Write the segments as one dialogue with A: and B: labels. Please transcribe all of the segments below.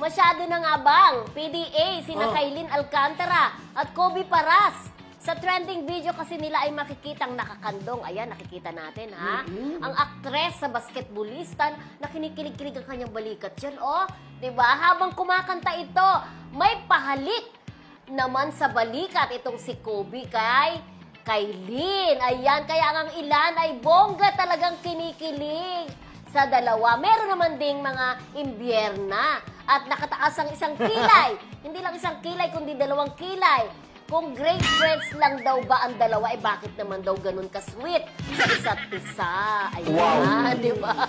A: masyado nang abang. PDA, sina Kailin Alcantara at Kobe Paras. Sa trending video kasi nila ay makikitang nakakandong. Ayan, nakikita natin, ha? Ang aktres sa basketballistan na kinikilig-kilig ang kanyang balikat dyan, oh. Diba? Habang kumakanta ito, may pahalik naman sa balikat itong si Kobe kay Kailin. Ayan, kaya ang ilan ay bongga talagang kinikilig sa dalawa. Meron naman ding mga imbyerna at nakataas ang isang kilay. Hindi lang isang kilay, kundi 2 kilay. Kung great friends lang daw ba ang dalawa, bakit naman daw ganun ka-sweet sa isa't isa? Ayan, di ba?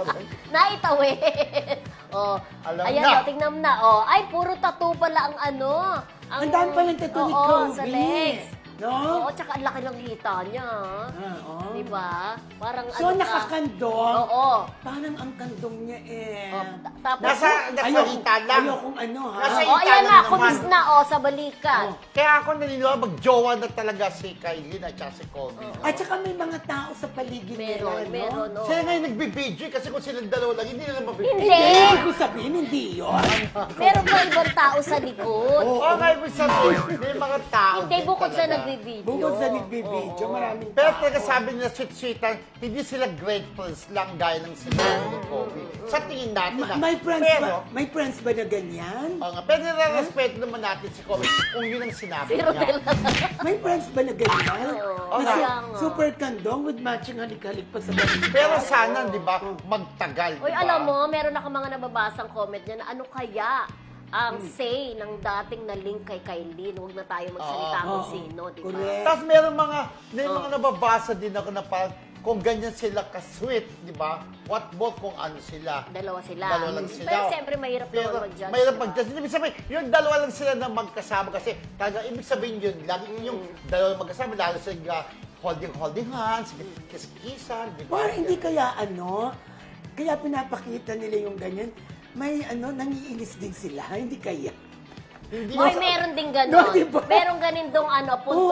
A: Naitawid. Oh,
B: Alam
A: ayan,
B: na.
A: tingnan mo na. Oh, ay, puro tattoo pala ang ano.
C: Ang dami palang tattoo ni
A: Oo,
C: Kobe.
A: sa legs.
C: No?
A: Oo, tsaka ang laki ng hita niya.
C: Oo.
A: Di ba? Parang
C: So,
A: ano ka.
C: nakakandong.
A: Oo.
C: Parang ang kandong niya eh.
A: Oh, tapos,
B: Nasa hita lang.
C: Ayokong ano ha.
B: Nasa
A: oh,
B: hita
A: ayan
B: lang
A: na,
B: naman.
A: kumis na, oh, sa balikat.
C: Oh.
B: Kaya ako naniniwala, mag-jowa na talaga si Kailin at saka si Kobe.
C: At saka may mga tao sa paligid
A: Meron,
C: nila,
A: meron,
C: no?
A: oh.
B: Sila ngayon nagbibidyo kasi kung silang dalawa lang, hindi nila mabibidyo.
A: Hindi.
C: Hindi ko sabihin, hindi yun.
A: Meron pa ibang tao sa likod.
B: Oo, nga ibig sabihin, may mga tao
A: Hindi,
B: din
A: bukod sa
B: talaga.
A: nagbibideo.
C: Bukod sa nagbibidyo,
A: Oo.
C: maraming
B: Pero
C: tao.
B: talaga sabi nila, sweet-sweetan, hindi sila great friends lang gaya ng sinabi ni Kobe. Sa tingin natin na.
C: May friends
B: pero,
C: ba? May friends ba na ganyan?
B: Oo nga, pero nire-respeto naman natin si Kobe kung yun ang sinabi
A: Si
B: niya.
A: Rodel.
C: May friends ba na ganyan?
A: Oo,
C: Na
A: kaya nga.
C: super kandong with matching halik-halik pa sa balikat.
B: Pero sana, di ba, magtagal,
A: Uy,
B: di ba?
A: alam mo, meron ako mga nababasang comment niya na ano kaya ang say ng dating na link kay Kailin. Huwag na tayo magsalita
C: Oo.
A: kung sino, di ba?
C: Correct.
B: Tapos may mga nababasa din ako na parang kung ganyan sila ka-sweet, di ba? What more kung ano sila?
A: Dalawa sila.
B: Dalawa lang sila.
A: Pero siyempre, mahirap
B: Pero
A: naman mag-judge.
B: mahirap
A: diba?
B: mag-judge. Ibig sabihin, yung dalawa lang sila na magkasama kasi talaga, ibig sabihin yun, lagi yung dalawa magkasama, lalo sila holding hands, kiss-kissan, di ba?
C: Or hindi kaya ano, kaya pinapakita nila yung ganyan, may ano, nangiinis din sila, hindi kaya.
B: Hindi
A: Hoy,
B: mo-
A: meron din
C: No,
A: gano'n.
C: diba?
A: Meron ganin dong ano,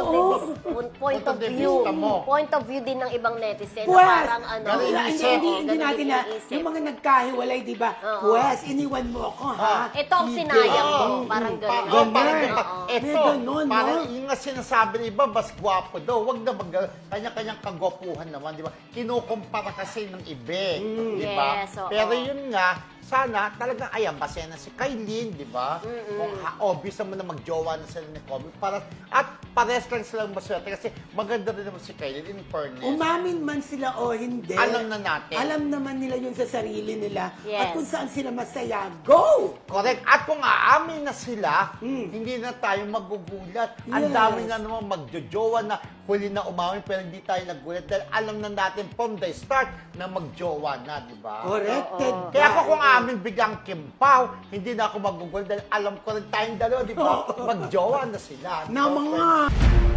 A: point of
B: de
A: view.
B: vista mo.
A: Point of view din ng ibang netizen. Na
C: Pwes!
A: parang ano.
B: Ganun
C: Hindi,
B: iniisip.
C: hindi
A: ganun
C: natin na,
A: iniisip.
C: yung mga nagkahiwalay, di ba?
A: Oo.
C: Pwes, iniwan mo ako, ha?
A: Ito ang
C: Sige.
A: sinayang mo.
B: Oo.
A: Parang gano'n.
B: Parang
C: Ganun.
B: ganun.
A: Oo.
B: Ito,
C: May ganun,
B: parang
C: no?
B: yung nga sinasabi ng iba, mas gwapo daw. Wag na kanya-kanyang kagwapuhan naman, di ba? Kinukumpara kasi ng ibe, di ba?
A: Yes, oo.
B: Pero yun nga, sana talagang ayan, base na si Kailin, di ba? Kung obvious naman na magjowa na sila ni Kobe. At pares lang silang maswerte kasi maganda rin naman si Kailin in fairness.
C: Umamin man sila o hindi.
B: Alam na natin.
C: Alam naman nila yun sa sarili nila.
A: Yes.
C: At kung saan sila masaya, go!
B: Correct. At kung aamin na sila, hindi na tayo magugulat. Ang
C: Yes.
B: dami na naman magjojowa na huli na umamin pero hindi tayo nagulat dahil alam na natin from the start na magjowa na, di ba?
C: Corrected.
B: Kaya ako kung amin biglang kimpaw, hindi na ako magugulat dahil alam ko rin tayong dalawa, di ba? Magjowa na sila.
C: Na mga